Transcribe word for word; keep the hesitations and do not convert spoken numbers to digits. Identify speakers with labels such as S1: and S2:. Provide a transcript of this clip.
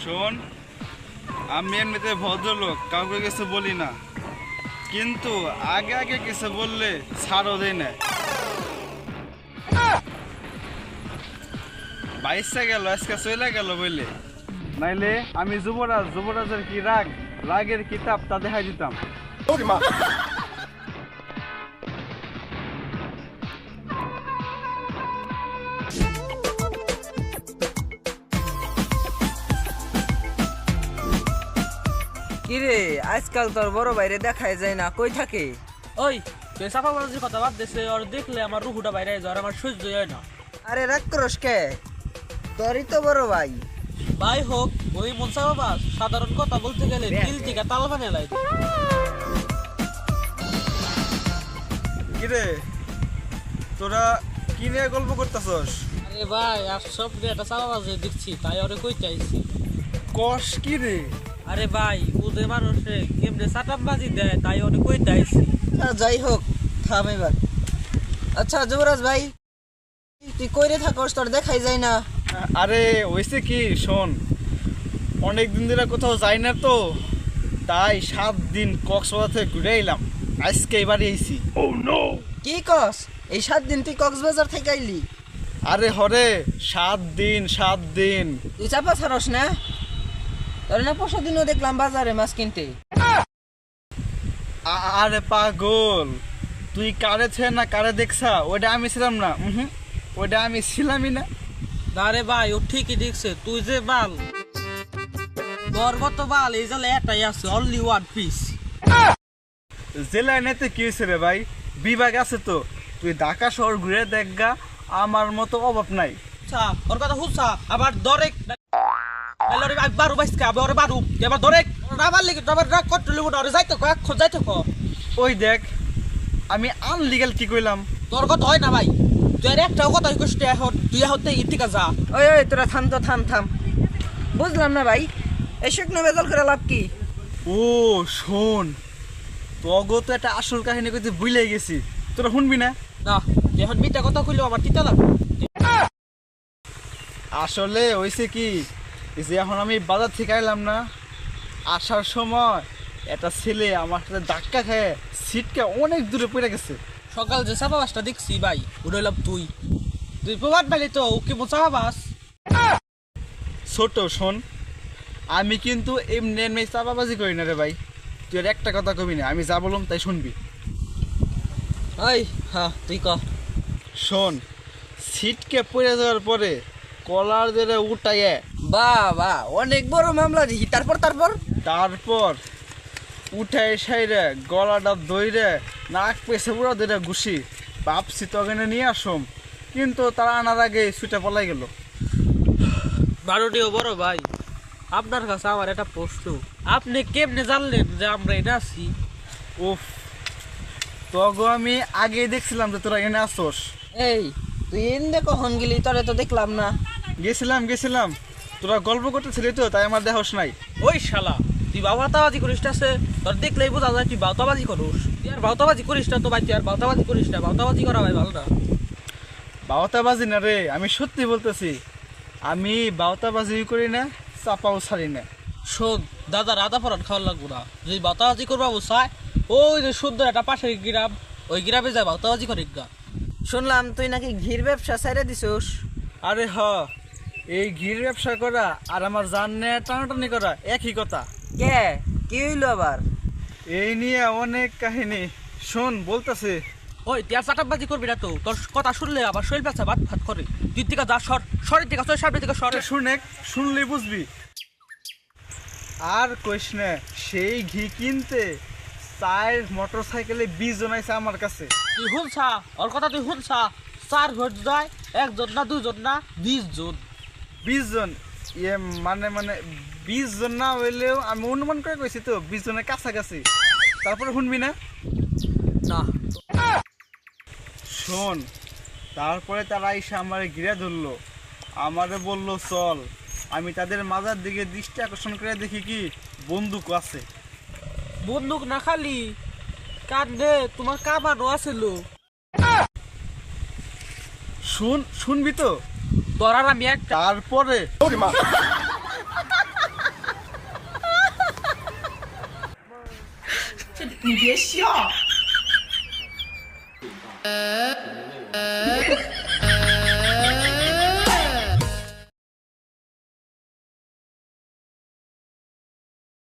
S1: শোন, আমি এমনিতে ভদ্রলোক, কাউকে কিছু বলি না, কিন্তু আগে আগে কিছু বললে ছাড়ও দেয় না। বাইশে গেল, আজকে চলে গেল বললে, নাইলে আমি যুবরাজ, যুবরাজের কি রাগ, রাগের কিতাব তা দেখাই দিতাম।
S2: কিরে আজকাল তোর বড় বাইরে দেখাই যায় না, কই থাকে?
S3: ওই তুই সাফা বাজার কথা বাদ দেছে, আর দেখলে আমার রুহুটা বাইরে যায়, আর আমার সহ্য হয় না।
S2: আরে রাগ করস কে? তোরই তো বড় ভাই।
S3: ভাই হোক ওই মনসা বাবা সাধারণ কথা বলতে গেলে দিল থেকে তাল বানিয়ে লাই।
S1: কিরে তোরা কি নিয়ে গল্প করতেছস?
S3: আরে ভাই আর সব একটা চাপা বাজে দেখছি, তাই ওরে কই চাইছি।
S1: কষ কি রে?
S3: আরে ভাই ও যে মানুষে কেমনে চাটাপ বাজি দেয়, তাই ওরে কই চাইছি।
S2: আচ্ছা, যাই হোক থাম এবার। আচ্ছা যুবরাজ ভাই, তুই কইরে থাকস, তোর দেখাই যায় না।
S1: আরে হয়েছে কি শোন, অনেক দিন ধরে কোথাও যাই না তো, তাই সাত দিন কক্সবাজার থেকে ঘুরে এলাম, আজকে এবারে এসি।
S2: কি কস? এই সাত দিন তুই কক্সবাজার থেকে আইলি?
S1: আরে হরে, সাত দিন সাত দিন।
S2: তুই চাপা ছাড়স না? তোর না পরশু দিনও দেখলাম বাজারে মাছ কিনতে।
S1: আ- আরে পাগল, তুই কারে ছে না কারে দেখছা, ওইটা আমি ছিলাম না। হুম, ওইটা আমি ছিলামই না।
S3: আরে ভাই ও ঠিকই দেখছে, তুই যে বাল তোর মতো বাল এই জালে একটাই আছে, অনলি ওয়ান পিস।
S1: জেলায় নেতে কি হয়েছে রে ভাই, বিভাগ আছে তো, তুই ঢাকা শহর ঘুরে দেখগা, আমার মতো অভাব নাই।
S3: আচ্ছা ওর কথা হুসা আবার দরেক এলরে একবার উবাইসকে আবার বারু এবার দরেক রাবার লাগি রাবার রাগ কত লিবো না, যাইতে কো এক খোঁজ যাইতে কো।
S1: ওই দেখ, আমি আনলিগাল কি কইলাম?
S3: তোর কথা হয় না ভাই, তুই আর একটাও কথা কষ্ট এখন তুই হতে ইতিকা যা।
S2: ওই ওই তোরা থাম তো, থাম থাম। বুঝলাম না ভাই, এই শুকনো বেজাল করে লাভ কি?
S1: ও শোন, তগো তো একটা আসল কাহিনী কইতে ভুলে গেছি, তোরা শুনবি না?
S3: না এখন মিটা কথা কইলো আমার তিতা লাগবে।
S1: আসলে হয়েছে কি, এই যে এখন আমি বাজার থেকে আইলাম না, আসার সময় একটা ছেলে আমার সাথে ধাক্কা খেয়ে সিটকে অনেক দূরে পড়ে গেছে।
S3: সকাল যে চাপা বাসটা দেখছি ভাই ওটা হইলাম তুই তুই প্রবাদ পাইলি তো ও কি মো চাপা বাস।
S1: ছোট শোন, আমি কিন্তু এমনি এমনি চাপাবাজি করি না রে ভাই, তুই আর একটা কথা কবি না, আমি যা বললাম তাই শুনবি।
S2: ওই হ্যাঁ তুই ক।
S1: শোন, সিটকে পড়ে যাওয়ার পরে কলার ধরে উঠাইয়ে,
S2: বাহ বাহ, অনেক বড় মামলা দেখি। তারপর তারপর
S1: তারপর উঠাই সাইরে গলাটা দইরে নাক পেছে পুরো ধরে ঘুষি, ভাবছি তখনে নিয়ে আসম, কিন্তু তারা আনার আগে ছুটে পলাই গেল।
S3: বারোটিও বড় ভাই, আপনার কাছে আমার একটা প্রশ্ন, আপনি কেমনে জানলেন যে আমরা এটা আছি?
S1: উফ, তগো আমি আগে দেখছিলাম যে তোরা এনে আসোস।
S2: এই তুই এনে কখন গেলি? তোরে তো দেখলাম না।
S1: গেছিলাম গেছিলাম তোরা গল্প করতেছিলি তো, তাই আমার দেহস নাই।
S3: ওই শালা তুই বাউতাবাজি করিস না, সে তোর দেখলেই বোঝা যায় তুই বাউতাবাজি করিস। তুই আর বাউতাবাজি করিস না তো ভাই, তুই আর বাউতাবাজি করিস না, বাউতাবাজি করা ভাই ভালো না।
S1: বাউতাবাজি না রে, আমি সত্যি বলতেছি, আমি বাউতাবাজি করি না, চাপাও ছাড়ি না।
S3: শোন দাদা, রাধা পরান খাওয়ার লাগবো না, যদি বাউতাবাজি করবা বসায় ওই যে সুন্দর একটা পাশের গ্রাম, ওই গ্রামে যায় বাউতাবাজি করে গা।
S2: শুনলাম তুই নাকি ঘির ব্যবসা ছেড়ে দিছোস।
S1: আরে হ, এই ঘির ব্যবসা করা আর আমার জান নিয়ে টানাটানি করা একই কথা।
S2: কে কি হইলো আবার?
S1: এই নিয়ে অনেক কাহিনী, শোন বলতেছে।
S3: ওই তুই আর চাটাবাজি করবি না তো, তোর কথা শুনলে আবার শরীর ব্যথা ভাত ভাত করে। তুই দিকে যা, সর সরের দিকে চল, সামনের দিকে সরে।
S1: শুনে শুনলে বুঝবি। আর কইস না, সেই ঘি কিনতে চার মোটর সাইকেলে বিশ জন আইছে আমার কাছে।
S3: তুই শুনছা ওর কথা, তুই শুনছা চার ঘর যায়, একজন না দুজন না বিশ জন।
S1: বিশ জন ইয়ে মানে মানে বিশ জন না হইলেও আমি অনুমান করে কইছি তো বিশ জনের কাছাকাছি। তারপরে শুনবি না?
S3: না
S1: শোন, তারপরে তারা এসে আমার ঘিরে ধরলো, আমারে বলল চল। আমি তাদের মাজার দিকে দৃষ্টি আকর্ষণ করে দেখি কি বন্দুক আছে।
S3: বন্দুক না খালি কান্দে তোমার কামানো আছিল।
S1: শুন শুনবি তো?
S3: তোর আর আমি একটা
S1: তারপরে
S4: 你别笑。